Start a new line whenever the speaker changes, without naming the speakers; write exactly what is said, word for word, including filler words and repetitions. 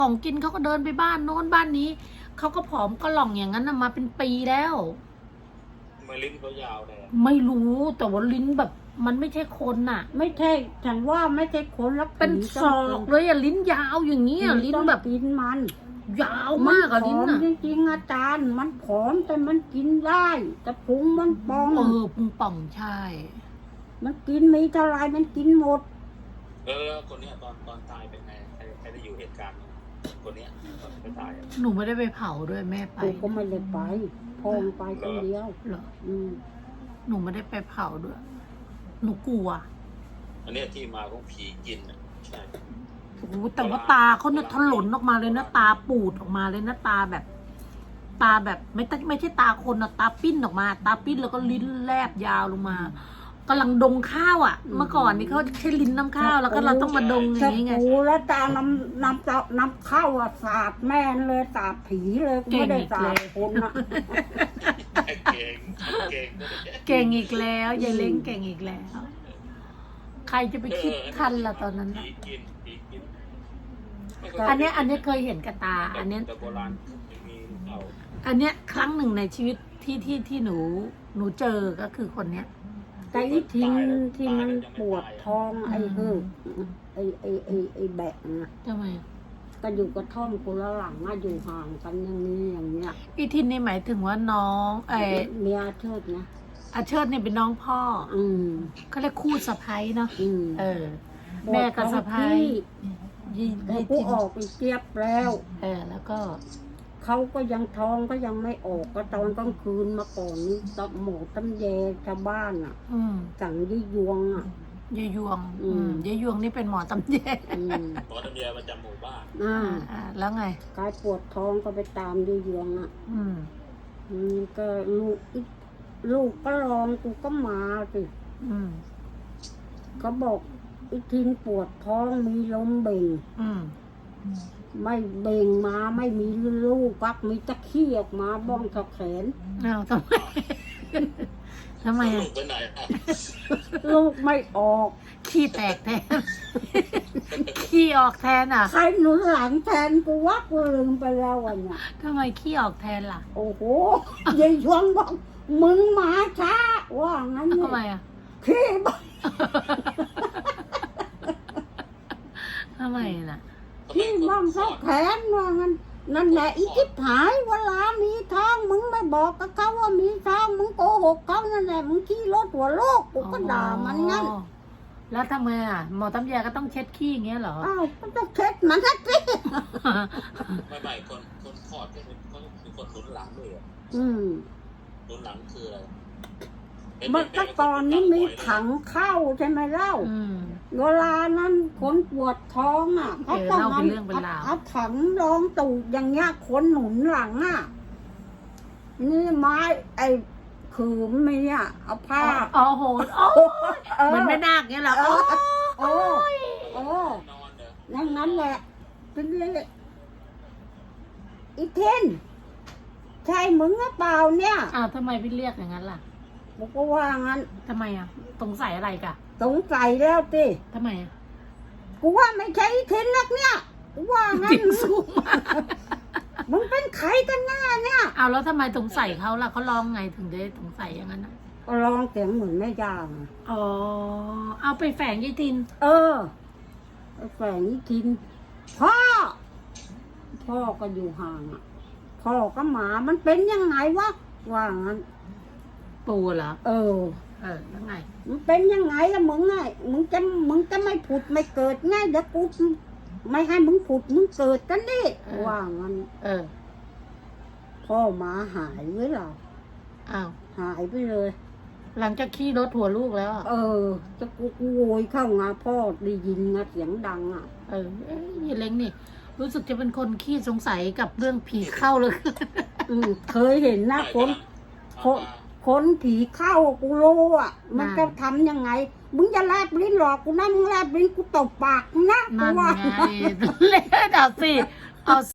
ของกินเขาก็เดินไปบ้านโน้นบ้านนี้เขาก็ผอมก็หล่องอย่างนั้นมาเป็นปีแล้ว
มือลิ้นเขายาวเลย
ไม่รู้แต่ว่าลิ้นแบบ มันไม่ใช่คนน่ะ
ไม่ใช่ฉันว่าไม่ใช่คนแล้ว
เป็นศอกเลยอะลิ้นยาวอย่างเงี้ยลิ้นแบบ
กินมัน
ยาวมากอะลิ้นอะ
จริงๆอาจารย์มันผอมแต่มันกินได้แต่พุงมันป่อง
เออพุงป่องใช่
มันกินมีเท่าไรมันกินหมด
เออคนเนี้ยตอนตอนตายเป็นไงใครใครได้อยู่เหตุการณ์คนเนี้ยตอนไปตาย
หนูไม่ได้ไปเผาด้วยแม่ไป
ก็ไม่ได้ไปพ่อไปคนเดียว
เหรอ
อืม
หนูไม่ได้ไปเผาด้วยหนูกลัว
อันนี้ที่มาของผีกินอ่ะใช่
โอ้แต่ว่าตาเขาเนี่ยถลนออกมาเลยนะตาปูดออกมาเลยนะตาแบบ ตาแบบไม่ไม่ใช่ตาคนนะตาปิ้นออกมา ตาปิ้นแล้วก็ลิ้นแลบยาวลงมากำลังดงข้าวอ่ะเมื่อก่อนนี่เขาใช้ลิ้นน้ำข้าวแล้วก็เราต้องมาดงอย่างนี้ไง
โอ้แล้วตาน้ำน้ำน้ำข้าวอ่ะสาดแม่เลยสาดผีเลยไม่ได้สาดคนอ่ะ
เก่งเก่ง
เก่งอีกแล้วยายเล้งเก่งอีกแล้วใครจะไปคิดทันล่ะตอนนั้นอันนี้อันนี้เคยเห็นกับตาอันนี้อันเนี้ยครั้งหนึ่งในชีวิตที่ที่ที่หนูหนูเจอก็คือคนเนี้ย
แต่อีทิ้งที่มันปวดท้องไอ้เหือไอ้ไอ้ไอ้ไอ้แบะนะ
ทำไม
ก็อยู่กระท่อมคนละหลังอะอยู่ห่างกันอย่างนี้อย่างเงี้ย
อีทินนี่หมายถึงว่าน้องไอ้
เมียเชิดนะ
อาเชิดเนี่ยเป็นน้องพ่อ
อืม
เขาเรียกคู่สะใภ้เนาะเออแม่กับสะใภ้
ยี่กูออกไปเจี๊ยบแล้ว
เออแล้วก็
เขาก็ยังท้องก็ยังไม่ออกก็ตอนกลางคืนมาก่อนนี้ตบหมูตำแยชาวบ้านอ่ะสั่งยี่ยวงอ่ะ
ยี่ยวงยี่ยวงนี่เป็นหมอตำแย
หมอตำแยประจำหมู่บ้าน
อ่าแล้วไง
กายปวดท้องก็ไปตามยี่ยวงอ่ะอืมก็ลูกลูกก็ลองกูก็มาสิอืมเขาบอกอีทินปวดท้องมีลมเบ่งอืมไม่เบ่งมาไม่มีลูกปักมีตะขี้ออกมาบ้องแขน
อ้าวทำไมทำไมอ่ะ
ลูกไม่ออก
ขี้แตกแทนขี้ออกแทนอ่ะ
ใครหนุนหลังแทนกูวักลืมไปแล้ววันเนี้ย
ทำไมขี้ออกแทนล่ะ
โอ้โหยายชวงบอกมึงมาช้าว่างั้น
ทำไมอ่ะ
ขี้บ้า
ทำไมล่ะ
ที่บ้องเขาแขนว่างั้นนั่นแหละอีจิ๊บหายเวลามีท้องมึงไม่บอกกับเขาว่ามีท้องมึงโกหกเขานั่นแหละมึงขี้รถหัวโลกกูก็ด่ามันงั้น
แล้วทำไมอ่ะหมอตำแยก็ต้องเช็ดขี้อย่างเงี้ยเหรอ
อ้าวก็ต้องเช็ดมันสักที
ไม่ไม่คนคนขอดก็คือคือคนหนุนหลังด้วยอ่ะ
อืม
หนุนหลังคืออะไร
เมื่อก่อนนี้มีถังเข้าใช่ไหมเล่าเวลานั้นคนปวดท้องอ่ะเขาต้องเอาเอาถังรองตูดอย่างเงี้ยคนหนุนหลังอ่ะนี่ไม้ไอ้คือไม่เนี่ยเอาผ้า
อ๋อโหเหมือนไม่นาคเงี้ยเหรอโอ้
โอ้โอ้นั่นนั้นแหละเป็นเลยอีเทนใช่มึงหรือเปล่าเนี่ย
อ้าวทำไมพี่เรียกอย่างนั้นล่ะ
บอกก็ว่างั้น
ทำไมอ่ะสงสัยอะไรกะ
สงสัยแล้วสิ
ทำไมอ่ะ
กูว่าไม่ใช่เทนนักเนี่ยกูว่างั้นสูงมากมึงเป็นใครกันหน้าเนี่ย
เอาแล้วทำไมสงสัยเขาล่ะเขาลองไงถึงได้สงสัยอย่างนั้นอ่ะ
ก็ลองเสียงเหมือนแม่ย่า
อ๋อเอาไปแฝงยี่ทิน
เออไปแฝงยี่ทินพ่อพ่อก็อยู่ห่างอ่ะพ่อก็หมามันเป็นยังไงวะว่างั้น
ปูเหรอ
เออ
เออแล้วไง
มันเป็นยังไงล่ะมึงไงมึงจะมึงจะไม่ผุดไม่เกิดไงเดี๋ยวกูไม่ให้มึงผุดมึงเกิดกันดิว่างั้น
เออ
พ่อหมาหายไว้หรอ
อ้าว
หายไปเลย
หลังจากขี่รถหัวลูกแล้ว
เออจะกูกูโวยเข้างาพ่อได้ยินนะเสียงดังอ่ะ
เออนี่เล้งนี่รู้สึกจะเป็นคนขี้สงสัยกับเรื่องผีเข้าเลย
เคยเห็นนะคนคนคนผีเข้ากูรู้อ่ะมันจะทำยังไงมึงจะแลบลิ้นหรอกกูนะมึงแลบลิ้นกูตบปากนะ
กูว่าเล่นเอาสิเอา